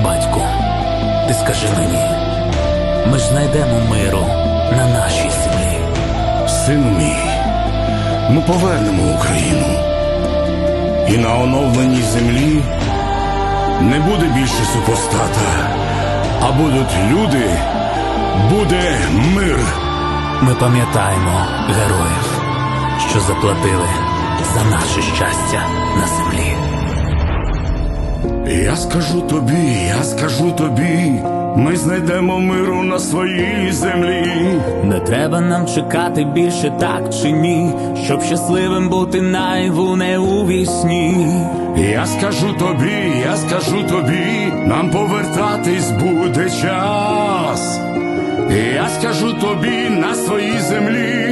Батьку, ти скажи мені, ми ж знайдемо миру на нашій землі. Сину мій, ми повернемо Україну. І на оновленій землі не буде більше супостата, а будуть люди, буде мир. Ми пам'ятаємо героїв, що заплатили за наше щастя на землі. Я скажу тобі, ми знайдемо миру на своїй землі. Не треба нам чекати більше, так чи ні, щоб щасливим бути наяву, не у вісні. Я скажу тобі, нам повертатись буде час. Я скажу тобі, на своїй землі